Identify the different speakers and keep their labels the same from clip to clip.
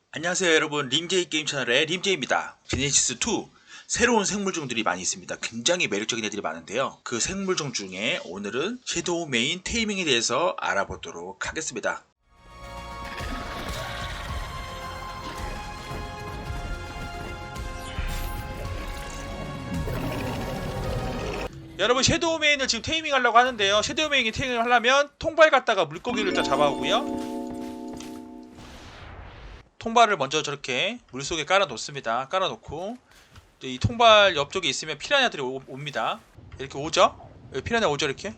Speaker 1: 안녕하세요 여러분, 림제이 게임 채널의 림제이입니다. 제네시스2 새로운 생물종들이 많이 있습니다. 굉장히 매력적인 애들이 많은데요, 그 생물종 중에 오늘은 섀도우 메인 테이밍에 대해서 알아보도록 하겠습니다. 여러분, 섀도우 메인을 지금 테이밍 하려고 하는데요, 섀도우 메인이 테이밍을 하려면 통발 갖다가 물고기를 일단 잡아오고요, 통발을 먼저 저렇게 물속에 깔아 놓습니다. 깔아 놓고 이 통발 옆쪽에 있으면 피라냐들이 옵니다. 이렇게 오죠? 여기 피라냐 오죠? 이렇게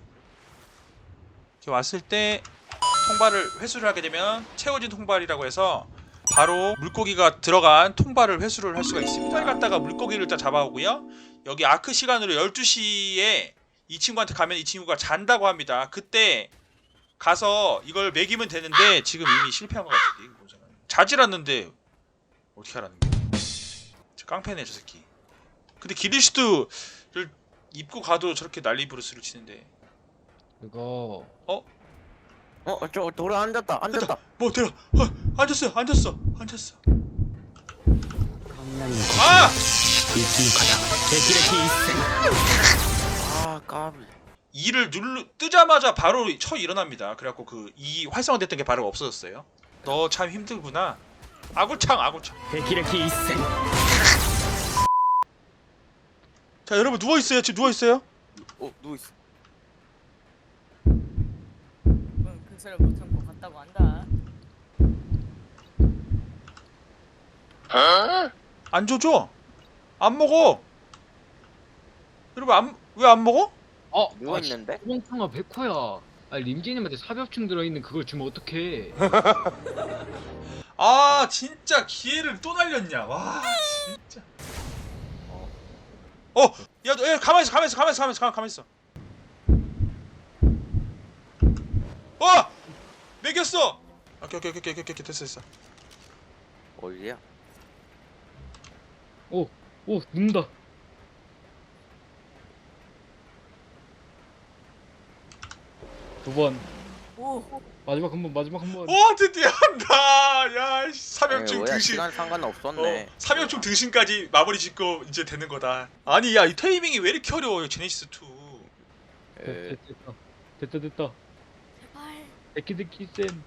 Speaker 1: 왔을 때 통발을 회수를 하게 되면 채워진 통발이라고 해서 바로 물고기가 들어간 통발을 회수를 할 수가 있습니다. 통발 갖다가 물고기를 일단 잡아오고요, 여기 아크 시간으로 12시에 이 친구한테 가면 이 친구가 잔다고 합니다. 그때 가서 이걸 먹이면 되는데 지금 이미 실패한 것 같은데, 자질 않는데 어떻게 하라는 거야? 저 깡패네 저 새끼. 근데 기리슈트를 입고 가도 저렇게 난리 부르스를 치는데.
Speaker 2: 그거
Speaker 3: 저 돌아 앉았다.
Speaker 1: 뭐 들어. 앉았어. 아!
Speaker 3: あー、까비.
Speaker 1: 이를 뜨자마자 바로 쳐 일어납니다. 그래갖고 그 이 활성화됐던 게 바로 없어졌어요. 너 참 힘들구나. 아구창. 자 여러분, 누워있어요. 지금 누워있어요.
Speaker 3: 누워있어.
Speaker 4: 근처를 못 참고 갔다고 한다.
Speaker 1: 안 줘줘. 안 먹어. 여러분, 왜 안 먹어?
Speaker 3: 누워있는데?
Speaker 2: 소봉탕아 백호야. 아니 림지님한테 사벽충 들어있는 그걸 주면 어떡해.
Speaker 1: 아 진짜 기회를 또 날렸냐. 와 진짜. 야 가만있어. 매겼어. 오케이 됐어.
Speaker 3: 어디야?
Speaker 2: 오 눕는다. 두 번.
Speaker 4: 오,
Speaker 2: 마지막 한 번.
Speaker 1: 와 드디어 한다. 야 사명충
Speaker 3: 뭐야,
Speaker 1: 등신.
Speaker 3: 시간 상관없었네.
Speaker 1: 사명충 등신까지 마무리 짓고 이제 되는 거다. 아니 야, 이 테이밍이 왜 이렇게 어려워요 제네시스 2.
Speaker 3: 에,
Speaker 2: 됐다.
Speaker 4: 제발.
Speaker 2: 데키데키 쌤.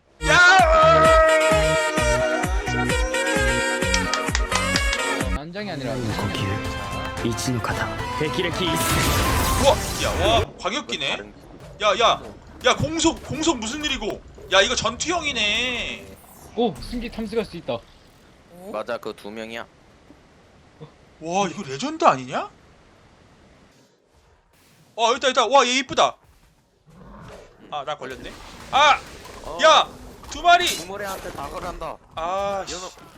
Speaker 2: 난장이 아니라
Speaker 5: 呼吸一の型霹靂一閃
Speaker 1: 와 광역기네. 야 공속 무슨 일이고? 야 이거 전투형이네.
Speaker 2: 오 승기 탐색할 수 있다.
Speaker 4: 오?
Speaker 3: 맞아, 그 두 명이야.
Speaker 1: 와 이거 레전드 아니냐? 일단 와 얘 이쁘다. 아 나 걸렸네. 야 두 마리.
Speaker 3: 구모래한테 다 걸한다.
Speaker 1: 아
Speaker 3: 연어.